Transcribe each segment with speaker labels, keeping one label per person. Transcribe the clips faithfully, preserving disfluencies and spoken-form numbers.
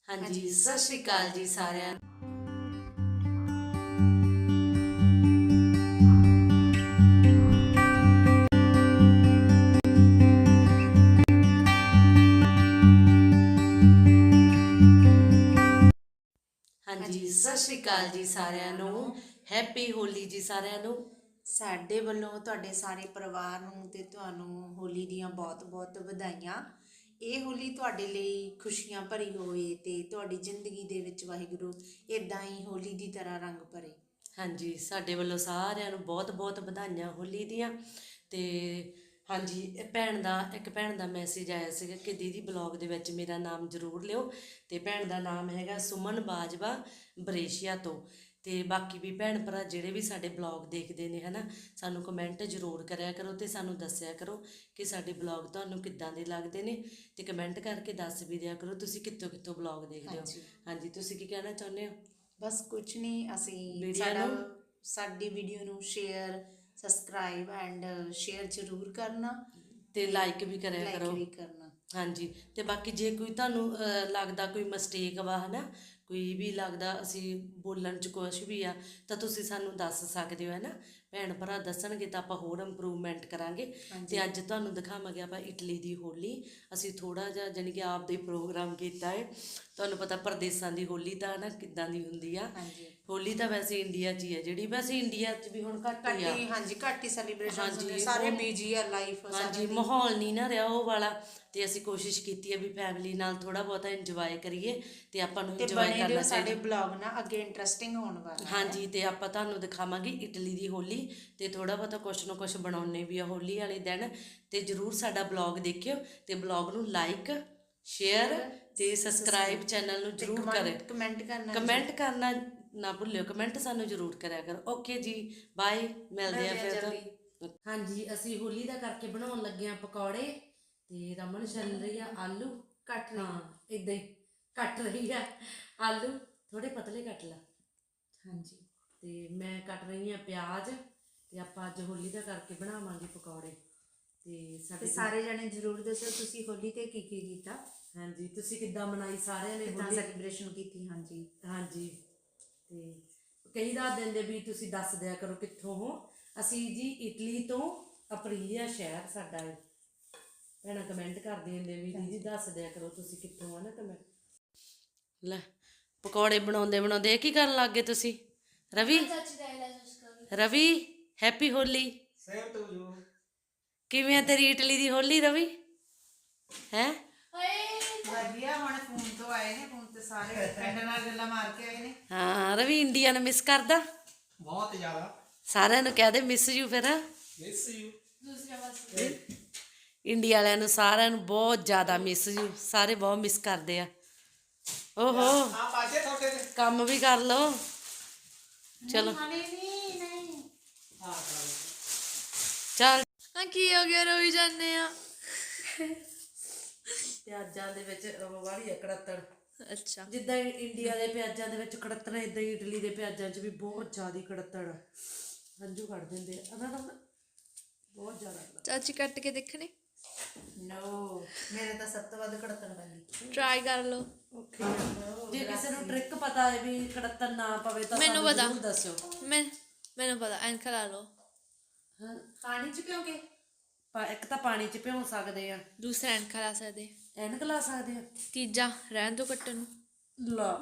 Speaker 1: हाँ जी, सत श्री अकाल जी सारिਆਂ ਨੂੰ। हाँ जी, सत श्री अकाल जी सारिਆਂ ਨੂੰ। हैप्पी होली जी सारिਆਂ ਨੂੰ।
Speaker 2: ਸਾਡੇ ਵੱਲੋਂ ਤੁਹਾਡੇ ਸਾਰੇ ਪਰਿਵਾਰ ਨੂੰ ਤੇ ਤੁਹਾਨੂੰ ਹੋਲੀ ਦੀਆਂ ਬਹੁਤ-ਬਹੁਤ ਵਧਾਈਆਂ। ਇਹ ਹੋਲੀ ਤੁਹਾਡੇ ਲਈ ਖੁਸ਼ੀਆਂ ਭਰੀ ਹੋਵੇ ਤੇ ਤੁਹਾਡੀ ਜ਼ਿੰਦਗੀ ਦੇ ਵਿੱਚ ਵਾਹਿਗੁਰੂ ਇਦਾਂ ਹੀ ਹੋਲੀ ਦੀ ਤਰ੍ਹਾਂ ਰੰਗ ਭਰੇ।
Speaker 1: ਹਾਂਜੀ, ਸਾਡੇ ਵੱਲੋਂ ਸਾਰਿਆਂ ਨੂੰ ਬਹੁਤ-ਬਹੁਤ ਵਧਾਈਆਂ ਹੋਲੀ ਦੀਆਂ। ਤੇ ਹਾਂਜੀ, ਇਹ ਭੈਣ ਦਾ ਇੱਕ ਭੈਣ ਦਾ ਮੈਸੇਜ ਆਇਆ ਸੀਗਾ ਕਿ ਦੀਦੀ ਬਲੌਗ ਦੇ ਵਿੱਚ ਮੇਰਾ ਨਾਮ ਜ਼ਰੂਰ ਲਿਓ। ਤੇ ਭੈਣ ਦਾ ਨਾਮ ਹੈਗਾ ਸੁਮਨ ਬਾਜਵਾ ਬਰੇਸ਼ੀਆ ਤੋਂ। ਤੇ ਬਾਕੀ ਵੀ ਭੈਣ ਭਰਾ ਜਿਹੜੇ ਵੀ ਸਾਡੇ ਬਲੌਗ ਦੇਖਦੇ ਨੇ ਹਨਾ, ਸਾਨੂੰ ਕਮੈਂਟ ਜ਼ਰੂਰ ਕਰਿਆ ਕਰੋ ਤੇ ਸਾਨੂੰ ਦੱਸਿਆ ਕਰੋ ਕਿ ਸਾਡੇ ਬਲੌਗ ਤੁਹਾਨੂੰ ਕਿੱਦਾਂ ਦੇ ਲੱਗਦੇ ਨੇ। ਤੇ ਕਮੈਂਟ ਕਰਕੇ ਦੱਸ ਵੀ ਦਿਆ ਕਰੋ ਤੁਸੀਂ ਕਿੱਥੋਂ ਕਿੱਥੋਂ ਬਲੌਗ ਦੇਖਦੇ ਹੋ। ਹਾਂਜੀ, ਤੁਸੀਂ ਕੀ ਕਹਿਣਾ ਚਾਹੁੰਦੇ ਹੋ?
Speaker 2: ਬਸ ਕੁਝ ਨਹੀਂ, ਅਸੀਂ
Speaker 1: ਵੀਡੀਓ
Speaker 2: ਸਾਡਾ
Speaker 1: ਨੂੰ
Speaker 2: ਸਾਡੀ ਵੀਡੀਓ ਨੂੰ ਸ਼ੇਅਰ ਸਬਸਕ੍ਰਾਈਬ ਐਂਡ ਸ਼ੇਅਰ ਜ਼ਰੂਰ ਕਰਨਾ
Speaker 1: ਤੇ ਲਾਈਕ ਵੀ ਕਰਿਆ
Speaker 2: ਲਾਈਕ
Speaker 1: ਕਰੋ।
Speaker 2: ਵੀ ਕਰਨਾ।
Speaker 1: ਹਾਂਜੀ, ਤੇ ਬਾਕੀ ਜੇ ਕੋਈ ਤੁਹਾਨੂੰ ਅਹ, ਲੱਗਦਾ ਕੋਈ ਮਿਸਟੇਕ ਵਾ ਹਨਾ, ਕੋਈ ਵੀ ਲੱਗਦਾ ਅਸੀਂ ਬੋਲਣ 'ਚ ਕੁਛ ਵੀ ਆ ਤਾਂ ਤੁਸੀਂ ਸਾਨੂੰ ਦੱਸ ਸਕਦੇ ਹੋ ਹੈ ਨਾ। ਭੈਣ ਭਰਾ ਦੱਸਣਗੇ ਤਾਂ ਆਪਾਂ ਹੋਰ ਇੰਪਰੂਵਮੈਂਟ ਕਰਾਂਗੇ। ਤੇ ਅੱਜ ਤੁਹਾਨੂੰ ਦਿਖਾਵਾਂਗੇ ਆਪਾਂ ਇਟਲੀ ਦੀ ਹੋਲੀ। ਅਸੀਂ ਥੋੜ੍ਹਾ ਜਿਹਾ ਜਾਣੀ ਕਿ ਆਪ ਦੇ ਪ੍ਰੋਗਰਾਮ ਕੀਤਾ ਹੈ। ਤੁਹਾਨੂੰ ਪਤਾ ਪ੍ਰਦੇਸਾਂ ਦੀ ਹੋਲੀ ਤਾਂ ਨਾ ਕਿੱਦਾਂ ਦੀ ਹੁੰਦੀ ਆ। ਹੋਲੀ ਤਾਂ ਵੈਸੇ ਇੰਡੀਆ 'ਚ ਹੀ ਹੈ ਜਿਹੜੀ, ਵੈਸੇ ਇੰਡੀਆ 'ਚ ਵੀ ਹੁਣ ਘੱਟ ਹੀ ਆ।
Speaker 2: ਹਾਂਜੀ, ਘੱਟ ਹੀ ਸੈਲੀਬ੍ਰੇਸ਼ਨ ਹੁੰਦੇ,
Speaker 1: ਹਾਂਜੀ,
Speaker 2: ਸਾਰੇ
Speaker 1: ਉਹ-
Speaker 2: ਬਿਜੀ ਆ ਲਾਈਫ
Speaker 1: ਹਾਂਜੀ, ਮਾਹੌਲ ਨਹੀਂ ਨਾ ਰਿਹਾ ਉਹ ਵਾਲਾ। ਤੇ ਅਸੀਂ ਕੋਸ਼ਿਸ਼ ਕੀਤੀ ਹੈ ਵੀ ਫੈਮਿਲੀ ਨਾਲ ਥੋੜਾ ਬਹੁਤਾ ਇੰਜੋਏ ਕਰੀਏ ਤੇ ਆਪਾਂ ਨੂੰ
Speaker 2: ਤੇ
Speaker 1: ਇੰਜੋਏ
Speaker 2: ਬਣੇ
Speaker 1: ਕਰਨਾ
Speaker 2: ਰਹੋ, ਸਾਡੇ
Speaker 1: ਚਾਹੀਦਾ।
Speaker 2: ਬਲੌਗ ਨਾ ਅੱਗੇ ਇੰਟਰਸਟਿੰਗ ਹੋਣ ਵਾਲਾ ਹੈ।
Speaker 1: ਹਾਂਜੀ, ਤੇ ਆਪਾਂ ਤੁਹਾਨੂੰ ਦਿਖਾਵਾਂਗੇ ਇਟਲੀ ਦੀ ਹੋਲੀ ਤੇ ਥੋੜਾ ਬਹੁਤਾ ਕੁਛ ਨਾ ਕੁਛ ਬਣਾਉਣੇ ਵੀ ਆ ਹੋਲੀ ਵਾਲੇ ਦਿਨ। ਤੇ ਜਰੂਰ ਸਾਡਾ ਬਲੌਗ ਦੇਖਿਓ ਤੇ ਬਲੌਗ ਨੂੰ ਲਾਈਕ ਸ਼ੇਅਰ ਤੇ ਸਬਸਕ੍ਰਾਈਬ ਚੈਨਲ ਨੂੰ ਜਰੂਰ ਕਰਿਓ।
Speaker 2: ਕਮੈਂਟ ਕਰਨਾ
Speaker 1: ਕਮੈਂਟ ਕਰਨਾ ਨਾ ਭੁੱਲਿਓ, ਕਮੈਂਟ ਸਾਨੂੰ ਜਰੂਰ ਕਰਿਆ ਕਰੋ। ਓਕੇ ਜੀ, ਬਾਏ, ਮਿਲਦੇ ਆ ਫਿਰ। ਹਾਂਜੀ, ਅਸੀਂ ਹੋਲੀ ਦਾ ਕਰਕੇ ਬਣਾਉਣ ਲੱਗੇ ਆ ਪਕੌੜੇ ਤੇ ਰਮਨ ਛਿੱਲ ਰਹੀ ਆ ਆਲੂ।
Speaker 2: ਕੱਟ ਲਈ।
Speaker 1: ਹਾਂ, ਇਦਾਂ ਹੀ ਕੱਟ ਰਹੀ ਆ ਆਲੂ, ਥੋੜੇ ਪਤਲੇ ਕੱਟ ਲਾ।
Speaker 2: ਹਾਂਜੀ,
Speaker 1: ਤੇ ਮੈਂ ਕੱਟ ਰਹੀ ਆ ਪਿਆਜ਼। ਤੇ ਆਪਾਂ ਅੱਜ ਹੋਲੀ ਦਾ ਕਰਕੇ ਬਣਾਵਾਂਗੇ ਪਕੌੜੇ। ਤੇ ਸਾਡੇ
Speaker 2: ਸਾਰੇ ਜਣੇ ਜ਼ਰੂਰ ਦੱਸੋ ਤੁਸੀਂ ਹੋਲੀ ਤੇ ਕੀ ਕੀ ਕੀਤਾ।
Speaker 1: ਹਾਂਜੀ, ਤੁਸੀਂ ਕਿੱਦਾਂ ਮਨਾਈ ਸਾਰਿਆਂ ਨੇ
Speaker 2: ਕਿੱਦਾਂ
Speaker 1: ਹੋਲੀ?
Speaker 2: ਸੈਲੀਬ੍ਰੇਸ਼ਨ ਕੀਤੀ। ਹਾਂਜੀ
Speaker 1: ਹਾਂਜੀ, ਤੇ ਕਈ ਰਾਤ ਦਿਨ ਦੇ ਵੀ ਤੁਸੀਂ ਦੱਸ ਦਿਆ ਕਰੋ ਕਿੱਥੋਂ ਹੋ। ਅਸੀਂ ਜੀ ਇਟਲੀ ਤੋਂ, ਅਪਰੀਲੀਆ ਸ਼ਹਿਰ ਸਾਡਾ ਹੈ। ਭੈਣਾਂ ਕਮੈਂਟ ਕਰਦੇ ਹੁੰਦੇ ਵੀ ਦੀਦੀ ਦੱਸ ਦਿਆ ਕਰੋ ਤੁਸੀਂ ਕਿੱਥੋਂ ਆ ਨਾ। ਕਮੈਂਟ ਲੈ, ਪਕੌੜੇ ਬਣਾਉਂਦੇ ਬਣਾਉਂਦੇ ਇਹ ਕੀ ਕਰਨ ਲੱਗ ਗਏ ਤੁਸੀਂ? ਰਵੀ ਰਵੀ ਹੈਪੀ ਹੋਲੀ। ਕਿਵੇਂ ਆ ਤੇਰੀ ਇਟਲੀ ਦੀ ਹੋਲੀ ਰਵੀ? ਹੈ
Speaker 2: ਵਧੀਆ। ਹੁਣ ਫੋਨ ਤੋਂ ਆਏ ਨੇ, ਫੋਨ ਤੇ ਸਾਰੇ ਪਿੰਡ ਨਾਲ ਗੱਲਾਂ ਮਾਰ ਕੇ ਆਏ ਨੇ।
Speaker 1: ਹਾਂ, ਰਵੀ ਇੰਡੀਆ ਨੂੰ ਮਿਸ ਕਰਦਾ
Speaker 2: ਬਹੁਤ ਜ਼ਿਆਦਾ।
Speaker 1: ਸਾਰਿਆਂ ਨੂੰ ਕਹਿ ਦੇ ਮਿਸ ਯੂ। ਫਿਰ
Speaker 2: ਮਿਸ ਯੂ।
Speaker 1: ਇੰਡੀਆ ਵਾਲਿਆਂ ਨੂੰ ਸਾਰਿਆਂ ਨੂੰ ਬਹੁਤ ਜ਼ਿਆਦਾ ਮਿਸ ਯੂ। ਸਾਰੇ ਬਹੁਤ ਮਿਸ ਕਰਦੇ ਆ। ਓਹੋ,
Speaker 2: ਆ ਪਾਜੇ ਤੁਹਾਡੇ ਤੇ
Speaker 1: ਕੰਮ ਵੀ ਕਰ ਲਓ। ਚਲੋ ਚੱਲ।
Speaker 3: ਹਾਂ, ਕੀ ਹੋ ਗਿਆ? ਰੋਈ ਜਾਂਦੇ ਆ।
Speaker 1: ਪਿਆਜ਼ਾਂ ਦੇ ਵਿੱਚ ਵਾਲੀ ਕੜੱਤਣ।
Speaker 3: ਅੱਛਾ,
Speaker 1: ਜਿੱਦਾਂ ਇੰਡੀਆ ਦੇ ਪਿਆਜ਼ਾਂ ਦੇ ਵਿੱਚ ਕੜੱਤਣ, ਇਦਾਂ ਹੀ ਇਟਲੀ ਦੇ ਪਿਆਜ਼ਾਂ 'ਚ ਵੀ ਬਹੁਤ ਜ਼ਿਆਦਾ ਕੜੱਤਣ ਹੰਝੂ ਕੱਢ ਦਿੰਦੇ ਆ ਨਾ। ਬਹੁਤ ਜ਼ਿਆਦਾ।
Speaker 3: ਚਾਚੀ ਕੱਟ ਕੇ ਦੇਖਣੇ।
Speaker 2: ਨੋ, ਮੇਰੇ ਤਾਂ ਸਭ ਤੋਂ ਵੱਧ ਕੜਤਣ ਪੈਂਦੀ।
Speaker 3: ਟਰਾਈ ਕਰ ਲਓ।
Speaker 1: ਓਕੇ, ਜੇ ਕਿਸੇ ਨੂੰ ਟ੍ਰਿਕ ਪਤਾ ਹੈ ਵੀ ਕੜੱਤਣ ਨਾ ਪਵੇ ਤਾਂ
Speaker 3: ਮੈਨੂੰ
Speaker 1: ਸਾਨੂੰ
Speaker 3: ਪਤਾ।
Speaker 1: ਜ਼ਰੂਰ ਦੱਸਿਓ।
Speaker 3: ਮੈਂ ਮੈਨੂੰ ਪਤਾ, ਐਨਕ ਲਾ ਲਓ।
Speaker 1: ਹਾਂ, ਪਾਣੀ 'ਚ ਭਿਓਂਗੇ। ਇੱਕ ਤਾਂ ਪਾਣੀ 'ਚ ਭਿਉਂ ਸਕਦੇ ਆ,
Speaker 3: ਦੂਸਰਾ ਐਨਕ ਲਾ ਸਕਦੇ,
Speaker 1: ਐਨਕ ਲਾ ਸਕਦੇ ਆ,
Speaker 3: ਤੀਜਾ ਰਹਿਣ ਦੋ ਕੱਟਣ ਨੂੰ।
Speaker 1: ਲਾ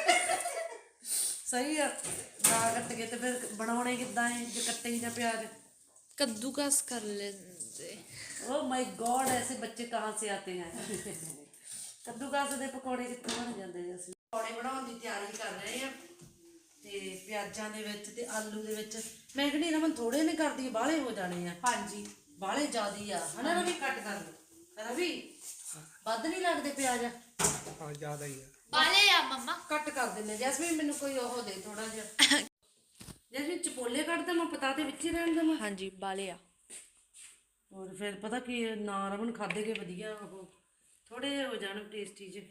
Speaker 1: ਸਹੀ ਆ। ਨਾ ਕੱਟ ਕੇ ਤੇ ਫਿਰ ਬਣਾਉਣੇ ਕਿੱਦਾਂ ਹੈ ਜੇ ਕੱਟੇ ਹੀ ਨਾ ਪਿਆਜ਼?
Speaker 3: ਕੱਦੂਕਸ ਕਰ ਲੈਂਦੇ।
Speaker 1: ओ माय गॉड, ऐसे बच्चे कहाँ से आते हैं? ਕੱਦੂਕਸ ਦੇ ਪਕੌੜੇ ਕਿੱਥੋਂ ਬਣ ਜਾਂਦੇ ਨੇ? ਅਸੀਂ ਪਕੌੜੇ ਬਣਾਉਣ ਦੀ ਤਿਆਰੀ ਕਰ ਰਹੇ ਆ ਤੇ ਪਿਆਜ਼ਾਂ ਦੇ ਵਿੱਚ ਤੇ ਆਲੂ ਦੇ ਵਿੱਚ ਮੈਂ ਕਹਿੰਦੀ ਰਮਨ ਥੋੜੇ ਨੇ ਕਰਦੀ, ਬਾਹਲੇ ਹੋ ਜਾਣੇ ਆ।
Speaker 2: ਹਾਂਜੀ,
Speaker 1: ਬਾਹਲੇ ਜ਼ਿਆਦੀ ਆ ਹਨਾ ਰਵੀ? ਕੱਟ ਕਰ ਲਓ ਰਵੀ, ਵੱਧ ਨਹੀਂ ਲੱਗਦੇ ਪਿਆਜ਼?
Speaker 2: ਹਾਂ ਜ਼ਿਆਦਾ ਹੀ ਆ।
Speaker 3: ਬਾਲੇ ਆ ਮੰਮਾ।
Speaker 1: ਕੱਟ ਕਰ ਦਿੰਦੇ। ਜੈਸਮੀਨ ਮੈਨੂੰ ਕੋਈ ਉਹ ਦੇ ਥੋੜਾ ਜਿਹਾ। ਜੈਸਮੀਨ ਚਪੋਲੇ ਕੱਢ ਦੇਵਾਂ, ਪਤਾ ਤੇ ਵਿੱਚ ਹੀ ਰਹਿਣ ਦੇਵਾਂ?
Speaker 3: ਹਾਂਜੀ, ਬਾਲੇ ਆ।
Speaker 1: ਹੋਰ ਫਿਰ ਪਤਾ ਕੀ ਨਾ ਰਮਨ ਖਾਦੇ ਕੇ ਵਧੀਆ ਉਹ ਥੋੜੇ ਜਿਹੇ ਹੋ ਜਾਣ ਟੇਸਟੀ ਜਿਹੇ।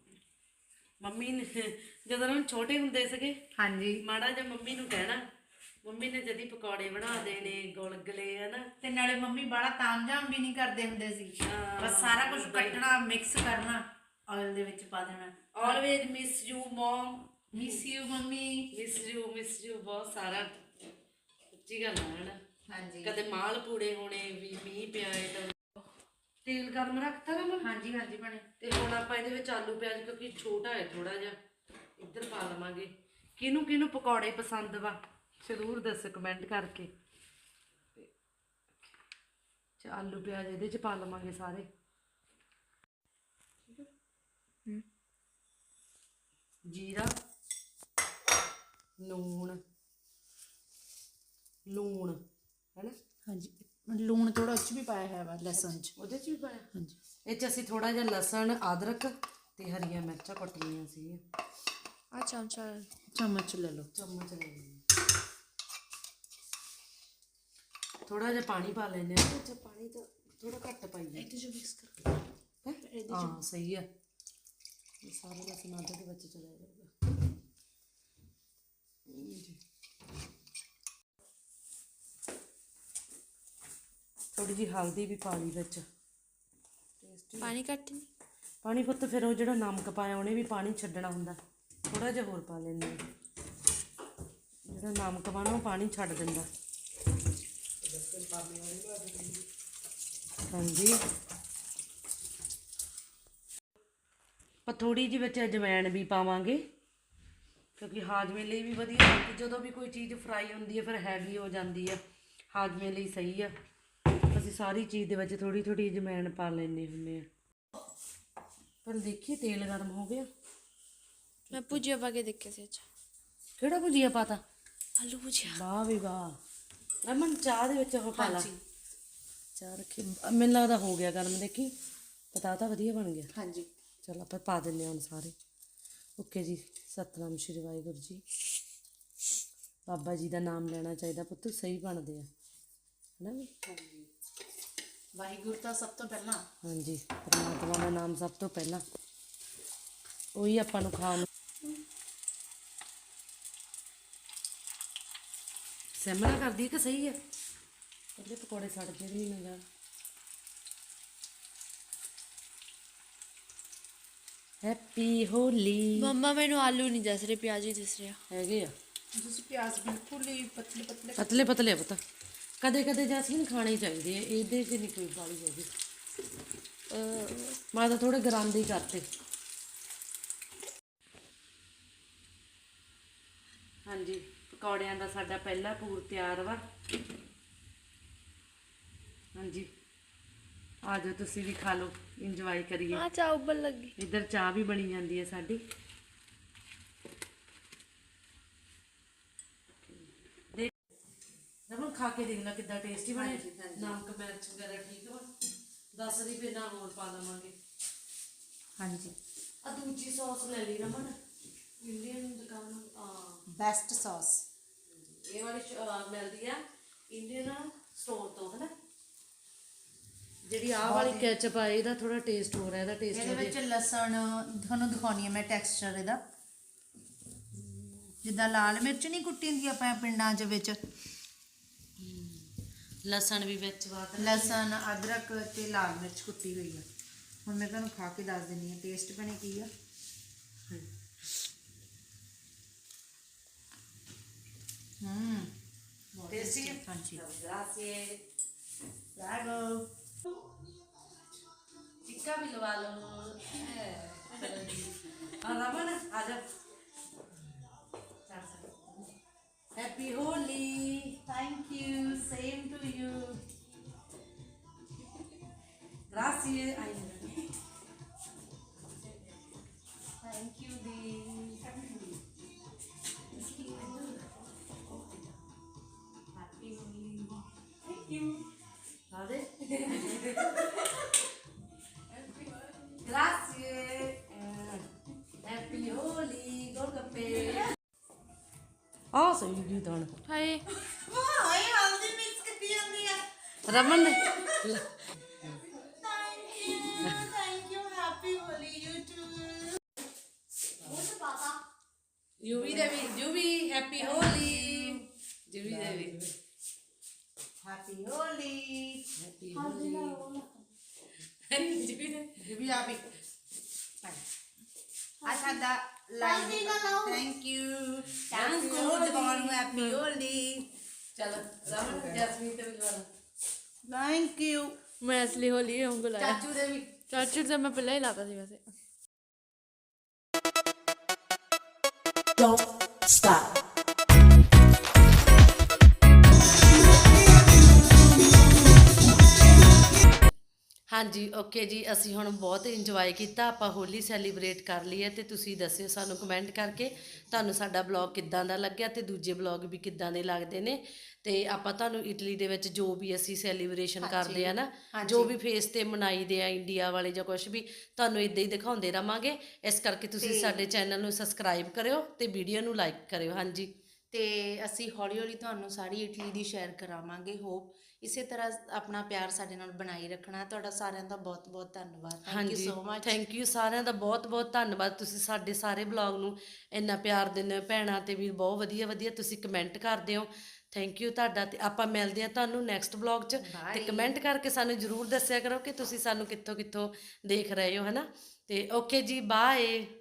Speaker 1: ਮੰਮੀ ਨੇ ਜਦੋਂ ਰਮਨ ਛੋਟੇ ਹੁੰਦੇ ਸੀਗੇ,
Speaker 2: ਹਾਂਜੀ,
Speaker 1: ਮਾੜਾ ਜਿਹਾ ਮੰਮੀ ਨੂੰ ਕਹਿਣਾ ਮੰਮੀ ਨੇ ਜਦੀ ਪਕੌੜੇ ਬਣਾ ਦੇਣੇ, ਗੁਲਗੁਲੇ ਹਨਾ।
Speaker 2: ਤੇ ਨਾਲੇ ਮੰਮੀ ਬੜਾ ਤਾਮਝਾਮ ਵੀ ਨਹੀਂ ਕਰਦੇ ਹੁੰਦੇ ਸੀ,
Speaker 1: ਹਾਂ,
Speaker 2: ਬਸ ਸਾਰਾ ਕੁਝ ਕੱਟਣਾ, ਮਿਕਸ ਕਰਨਾ, ਆਇਲ ਦੇ ਵਿੱਚ ਪਾ ਦੇਣਾ।
Speaker 1: Always miss you mum,
Speaker 2: miss you mummy.
Speaker 1: Miss you miss you ਬਹੁਤ ਸਾਰਾ। ਸੱਚੀ ਗੱਲ ਹੈ ਹਨਾ।
Speaker 2: ਹਾਂਜੀ
Speaker 1: ਕਦੇ ਮਾਲ ਪੂੜੇ ਹੋਣੇ ਵੀ, ਮੀਂਹ ਪਿਆ ਏ ਤਾਂ ਤੇਲ ਗਰਮ ਰੱਖਤਾ ਨਾ ਮੈਂ।
Speaker 2: ਹਾਂਜੀ ਹਾਂਜੀ ਬਣੇ।
Speaker 1: ਤੇ ਹੁਣ ਆਪਾਂ ਇਹਦੇ ਵਿੱਚ ਆਲੂ ਪਿਆਜ਼, ਕਿਉਂਕਿ ਛੋਟਾ ਹੈ ਥੋੜਾ ਜਿਹਾ, ਇੱਧਰ ਪਾ ਲਵਾਂਗੇ। ਕਿਹਨੂੰ ਕਿਹਨੂੰ ਪਕੌੜੇ ਪਸੰਦ ਵਾ ਜ਼ਰੂਰ ਦੱਸੋ ਕਮੈਂਟ ਕਰਕੇ। ਤੇ ਆਲੂ ਪਿਆਜ਼ ਇਹਦੇ ਚ ਪਾ ਲਵਾਂਗੇ ਸਾਰੇ। ਜੀਰਾ, ਲੂਣ, ਲੂਣ ਹੈਨਾ।
Speaker 2: ਹਾਂਜੀ ਲੂਣ ਥੋੜਾ ਉੱਚ ਵੀ ਪਾਇਆ ਹੈ ਵਾ ਲਸਣ ਚ।
Speaker 1: ਉਹਦੇ ਚ ਵੀ ਪਾਇਆ।
Speaker 2: ਹਾਂਜੀ
Speaker 1: ਇਹ ਚ ਅਸੀਂ ਥੋੜਾ ਜਿਹਾ ਲਸਣ, ਅਦਰਕ ਤੇ ਹਰੀਆਂ ਮਿਰਚਾਂ ਕੱਟ ਲਈਆਂ ਸੀ।
Speaker 3: ਆ ਚਮਚਾ
Speaker 2: ਚਮਚ ਲੈ ਲਓ।
Speaker 1: ਚਮਚ ਲੈ ਲਈਏ। ਥੋੜਾ ਜਿਹਾ ਪਾਣੀ ਪਾ ਲੈਨੇ ਆ। ਅੱਛਾ ਪਾਣੀ ਤਾਂ ਥੋੜਾ ਘੱਟ ਪਾਈਏ।
Speaker 2: ਇਹਦੇ ਚ ਮਿਕਸ ਕਰ।
Speaker 1: ਹੈਂ? ਹਾਂ ਸਹੀ ਆ। ਇਹ ਸਾਰਾ ਲਸਣ ਅਦਰਕ ਦੇ ਵਿੱਚ ਚਲਾ ਜਾਊਗਾ ਜੀ। ਥੋੜੀ ਜਿਹੀ ਹਲਦੀ ਵੀ ਪਾ ਲਈ ਵਿੱਚ।
Speaker 3: ਪਾਣੀ ਘੱਟ ਨਹੀਂ।
Speaker 1: ਪਾਣੀ ਪੁੱਤ ਫਿਰ ਉਹ ਜਿਹੜਾ ਨਮਕ ਪਾਇਆ ਉਹਨੇ ਵੀ ਪਾਣੀ ਛੱਡਣਾ ਹੁੰਦਾ, ਥੋੜਾ ਜਿਹਾ ਹੋਰ ਪਾ ਲੈਂਦੇ ਹਾਂ। ਜਿਹੜਾ ਨਮਕ ਪਾਣਾ ਉਹ ਪਾਣੀ ਛੱਡ ਦਿੰਦਾ। ਹਾਂਜੀ ਆਪਾਂ ਥੋੜੀ ਜਿਹੀ ਵਿੱਚ ਅਜਵਾਇਣ ਵੀ ਪਾਵਾਂਗੇ, ਕਿਉਂਕਿ ਹਾਜ਼ਮੇ ਲਈ ਵੀ ਵਧੀਆ ਹੁੰਦੀ। ਜਦੋਂ ਵੀ ਕੋਈ ਚੀਜ਼ ਫਰਾਈ ਹੁੰਦੀ ਹੈ ਫਿਰ ਹੈਵੀ ਹੋ ਜਾਂਦੀ ਆ, ਹਾਜ਼ਮੇ ਲਈ ਸਹੀ ਆ। ਅਸੀਂ ਸਾਰੀ ਚੀਜ਼ ਦੇ ਵਿੱਚ ਥੋੜੀ ਥੋੜੀ ਅਜਵਾਇਣ ਪਾ ਲੈਂਦੇ ਹੁੰਦੇ ਆ। ਪਰ ਦੇਖੀ ਤੇਲ ਗਰਮ ਹੋ ਗਿਆ।
Speaker 3: ਮੈਂ ਭੁਜੀਆ ਪਾ ਕੇ ਦੇਖਿਆ ਸੀ। ਅੱਛਾ
Speaker 1: ਕਿਹੜਾ ਭੁਜੀਆ ਪਾਤਾ?
Speaker 3: ਆਲੂ ਭੁਜੀਆ।
Speaker 1: ਵਾਹ ਵੀ ਵਾਹ। ਰਮਨ ਚਾਹ ਦੇ ਵਿੱਚ ਉਹ ਪਾ ਲਾ। ਚਾਹ ਰੱਖੀ, ਮੈਨੂੰ ਲੱਗਦਾ ਹੋ ਗਿਆ ਗਰਮ। ਦੇਖੀ ਪਤਾ ਤਾਂ ਵਧੀਆ ਬਣ ਗਿਆ।
Speaker 2: ਹਾਂਜੀ
Speaker 1: ਚਲ ਆਪਾਂ ਪਾ ਦਿੰਦੇ ਹਾਂ ਹੁਣ ਸਾਰੇ। ਓਕੇ ਜੀ। ਸਤਨਾਮ ਸ਼੍ਰੀ ਵਾਹਿਗੁਰੂ ਜੀ। ਬਾਬਾ ਜੀ ਦਾ ਨਾਮ ਲੈਣਾ ਚਾਹੀਦਾ ਪੁੱਤ, ਸਹੀ ਬਣਦੇ ਆ ਹੈ ਨਾ।
Speaker 2: ਵਾਹਿਗੁਰੂ ਤਾਂ ਸਭ ਤੋਂ ਪਹਿਲਾਂ।
Speaker 1: ਹਾਂਜੀ ਪਰਮਾਤਮਾ ਦਾ ਨਾਮ ਸਭ ਤੋਂ ਪਹਿਲਾਂ, ਉਹੀ ਆਪਾਂ ਨੂੰ ਖਾਣ ਨੂੰ। ਸਿਮਲਾ ਕਰਦੀ ਕਿ ਸਹੀ ਹੈ? ਪਹਿਲੇ ਪਕੌੜੇ ਸੜ ਕੇ ਵੀ ਨਹੀਂ ਜਾਣ। ਹੈਪੀ ਹੋਲੀ।
Speaker 3: ਮੰਮਾ ਮੈਨੂੰ ਆਲੂ ਨਹੀਂ ਦਿਸ ਰਹੇ, ਪਿਆਜ਼ ਹੀ ਦਿਸ ਰਿਹਾ।
Speaker 1: ਹੈਗੇ ਆ
Speaker 2: ਤੁਸੀਂ ਪਿਆਜ਼ ਬਿਲਕੁਲ ਹੀ ਪਤਲੇ ਪਤਲੇ।
Speaker 1: ਪਤਲੇ ਪਤਲੇ ਪਤਾ ਕਦੇ ਕਦੇ ਜੈਸਮੀਨ ਖਾਣੇ ਚਾਹੀਦੇ ਆ, ਇਹਦੇ 'ਚ ਨਹੀਂ ਕੋਈ ਬਾਲੀ ਹੈਗੀ। ਮੈਂ ਤਾਂ ਥੋੜੇ ਗਰਾਂਦੇ ਹੀ ਕਰਤੇ। ਹਾਂਜੀ ਪਕੌੜਿਆਂ ਦਾ ਸਾਡਾ ਪਹਿਲਾ ਪੂਰ ਤਿਆਰ ਵਾ। ਹਾਂਜੀ ਆ ਜਾਓ ਤੁਸੀਂ ਵੀ ਖਾ ਲਓ, ਇੰਜੋਏ ਕਰੀਏ।
Speaker 3: ਆ ਚਾਹ ਉੱਬਲ ਲੱਗੀ।
Speaker 1: ਇੱਧਰ ਚਾਹ ਵੀ ਬਣੀ ਜਾਂਦੀ ਹੈ ਸਾਡੀ। ਦੇਖ ਰਮਨ ਖਾ ਕੇ ਦੇਖ ਲੈ ਕਿੱਦਾਂ ਟੇਸਟੀ ਬਣੇ। ਨਮਕ ਮਿਰਚ ਵਗੈਰਾ ਠੀਕ ਵਾ? ਦਸ ਦੀ ਫਿਰ ਨਾ ਹੋਰ ਪਾ ਦੇਵਾਂਗੇ।
Speaker 2: ਹਾਂਜੀ
Speaker 1: ਆ ਦੂਜੀ ਸੌਸ ਲੈ ਲਈ ਰਮਨ, ਇੰਡੀਅਨ ਦੁਕਾਨ ਆ
Speaker 2: ਬੈਸਟ ਸੌਸ।
Speaker 1: ਇਹ ਵਾਲੀ ਸ਼- ਅਹ ਮਿਲਦੀ ਆ ਇੰਡੀਅਨ ਸਟੋਰ ਤੋਂ ਹੈ ਨਾ। ਜਿਹੜੀ ਆਹ ਵਾਲੀ ਕੈਚਅਪ ਆ ਇਹਦਾ ਥੋੜਾ ਟੇਸਟ ਹੋ ਰਿਹਾ, ਇਹਦਾ ਟੇਸਟ
Speaker 2: ਇਹਦੇ ਵਿੱਚ ਲਸਣ ਤੁਹਾਨੂੰ ਦਿਖਾਉਣੀ ਹੈ ਮੈਂ ਟੈਕਸਚਰ ਇਹਦਾ। ਜਿੱਦਾਂ ਲਾਲ ਮਿਰਚ ਨਹੀਂ ਕੁੱਟੀ ਹੁੰਦੀ ਆਪਾਂ ਪਿੰਡਾਂ 'ਚ ਵਿੱਚ,
Speaker 1: ਲਸਣ ਵੀ ਵਿੱਚ ਬਾਤ
Speaker 2: ਲਸਣ ਅਦਰਕ ਤੇ ਲਾਲ ਮਿਰਚ ਕੁੱਟੀ ਹੋਈ ਆ। ਹੁਣ ਮੈਂ ਤੁਹਾਨੂੰ ਖਾ ਕੇ ਦੱਸ ਦਿੰਦੀ ਹਾਂ ਟੇਸਟ ਬਣੇ ਕੀ ਆ। ਹੂੰ
Speaker 1: ਟੇਸਟੀ ਹੈ।
Speaker 2: ਹਾਂਜੀ
Speaker 1: ਗ੍ਰਾਸੀਏ।
Speaker 2: ਬ੍ਰਾਵੋ।
Speaker 1: ਟਿੱਕਾ ਵੀ ਲਵਾ ਲਓ। ਆ ਰਮਨ ਆ ਜਾ। Happy Holi.
Speaker 2: Thank you same to you.
Speaker 1: ਗ੍ਰਾਸੀਏ। ਆਈ
Speaker 2: ਥੈਂਕ ਯੂ ਦੀ। ਹੈਪੀ ਹੋਲੀ। Thank you.
Speaker 1: ਆ ਦੇ। Grazie. ਹੈਪੀ ਹੋਲੀ। ਗੋਲਗੱਪੇ। ਆ ਸਹੀ ਗੀਤ ਹੁਣ।
Speaker 3: ਹਾਏ
Speaker 2: ਵਾਹ ਹਾਏ ਹਲਦੀ ਮਿਕਸ ਕੀਤੀ ਜਾਂਦੀ ਆ।
Speaker 1: ਰਮਨ ਨੇ
Speaker 2: thank you thank you happy Holi you too.
Speaker 1: Yuvi ਦੇ ਵੀ ਯੂਵੀ ਹੈਪੀ ਹੋਲੀ। ਵੀ ਦੇ ਵੀ
Speaker 2: ਹੈਪੀ ਹੋਲੀ
Speaker 1: ਹੈਪੀ ਹੋਲੀ
Speaker 2: ਵੀ ਆ ਵੀ ਆ ਸਾਡਾ live thank you thank you ਜਵਾਨ ਨੂੰ ਹੈਪੀ ਹੋਲੀ
Speaker 1: ਚਲ ਰਾਮ ਜੈਸਮੀਨ ਤੇ ਮਿਲਵਾ
Speaker 2: ਥੈਂਕ ਯੂ
Speaker 3: मैं असली होली है उनको लाया
Speaker 1: ਚਾਚੂ ਦੇ ਵੀ
Speaker 3: चाचू से मैं पहले ही लाता थी वैसे
Speaker 4: Don't stop.
Speaker 1: ਹਾਂਜੀ ਓਕੇ ਜੀ ਅਸੀਂ ਹੁਣ ਬਹੁਤ ਇੰਜੋਏ ਕੀਤਾ ਆਪਾਂ ਹੋਲੀ ਸੈਲੀਬ੍ਰੇਟ ਕਰ ਲਈ ਹੈ ਤੇ ਤੁਸੀਂ ਦੱਸਿਓ ਸਾਨੂੰ ਕਮੈਂਟ ਕਰਕੇ ਤੁਹਾਨੂੰ ਸਾਡਾ ਬਲੌਗ ਕਿੱਦਾਂ ਦਾ ਲੱਗਿਆ ਤੇ ਦੂਜੇ ਬਲੌਗ ਵੀ ਕਿੱਦਾਂ ਦੇ ਲੱਗਦੇ ਨੇ ਤੇ ਆਪਾਂ ਤੁਹਾਨੂੰ ਇਟਲੀ ਦੇ ਵਿੱਚ ਜੋ ਵੀ ਅਸੀਂ ਸੈਲੀਬ੍ਰੇਸ਼ਨ ਕਰਦੇ ਆ ਨਾ ਜੋ ਵੀ ਫੇਸ ਤੇ ਮਨਾਈਦੇ ਆ ਇੰਡੀਆ ਵਾਲੇ ਜਾਂ ਕੁਝ ਵੀ ਤੁਹਾਨੂੰ ਇਦਾਂ ਹੀ ਦਿਖਾਉਂਦੇ ਰਵਾਂਗੇ ਇਸ ਕਰਕੇ ਤੁਸੀਂ ਸਾਡੇ ਚੈਨਲ ਨੂੰ ਸਬਸਕ੍ਰਾਈਬ ਕਰਿਓ ਤੇ ਵੀਡੀਓ ਨੂੰ ਲਾਈਕ ਕਰਿਓ ਹਾਂਜੀ
Speaker 2: ਤੇ ਅਸੀਂ ਹੌਲੀ ਹੌਲੀ ਤੁਹਾਨੂੰ ਸਾਰੀ ਇਟਲੀ ਦੀ ਸ਼ੇਅਰ ਕਰਾਵਾਂਗੇ ਹੋਪ ਇਸੇ ਤਰ੍ਹਾਂ ਆਪਣਾ ਪਿਆਰ ਸਾਡੇ ਨਾਲ ਬਣਾਈ ਰੱਖਣਾ ਤੁਹਾਡਾ ਸਾਰਿਆਂ ਦਾ ਬਹੁਤ ਬਹੁਤ ਧੰਨਵਾਦ ਥੈਂਕ ਯੂ
Speaker 1: ਹਾਂਜੀ
Speaker 2: ਸੋ ਮਚ
Speaker 1: ਥੈਂਕ ਯੂ ਸਾਰਿਆਂ ਦਾ ਬਹੁਤ ਬਹੁਤ ਧੰਨਵਾਦ ਤੁਸੀਂ ਸਾਡੇ ਸਾਰੇ ਬਲੌਗ ਨੂੰ ਇੰਨਾ ਪਿਆਰ ਦਿੰਦੇ ਹੋ ਭੈਣਾਂ ਤੇ ਵੀ ਬਹੁਤ ਵਧੀਆ ਵਧੀਆ ਤੁਸੀਂ ਕਮੈਂਟ ਕਰਦੇ ਹੋ ਥੈਂਕ ਯੂ ਤੁਹਾਡਾ ਤੇ ਆਪਾਂ ਮਿਲਦੇ ਆ ਤੁਹਾਨੂੰ ਨੈਕਸਟ ਬਲੌਗ 'ਚ ਤੇ ਕਮੈਂਟ ਕਰਕੇ ਸਾਨੂੰ ਜ਼ਰੂਰ ਦੱਸਿਆ ਕਰੋ ਕਿ ਤੁਸੀਂ ਸਾਨੂੰ ਕਿੱਥੋਂ ਕਿੱਥੋਂ ਦੇਖ ਰਹੇ ਹੋ ਹਨਾ ਤੇ ਓਕੇ ਜੀ ਬਾਏ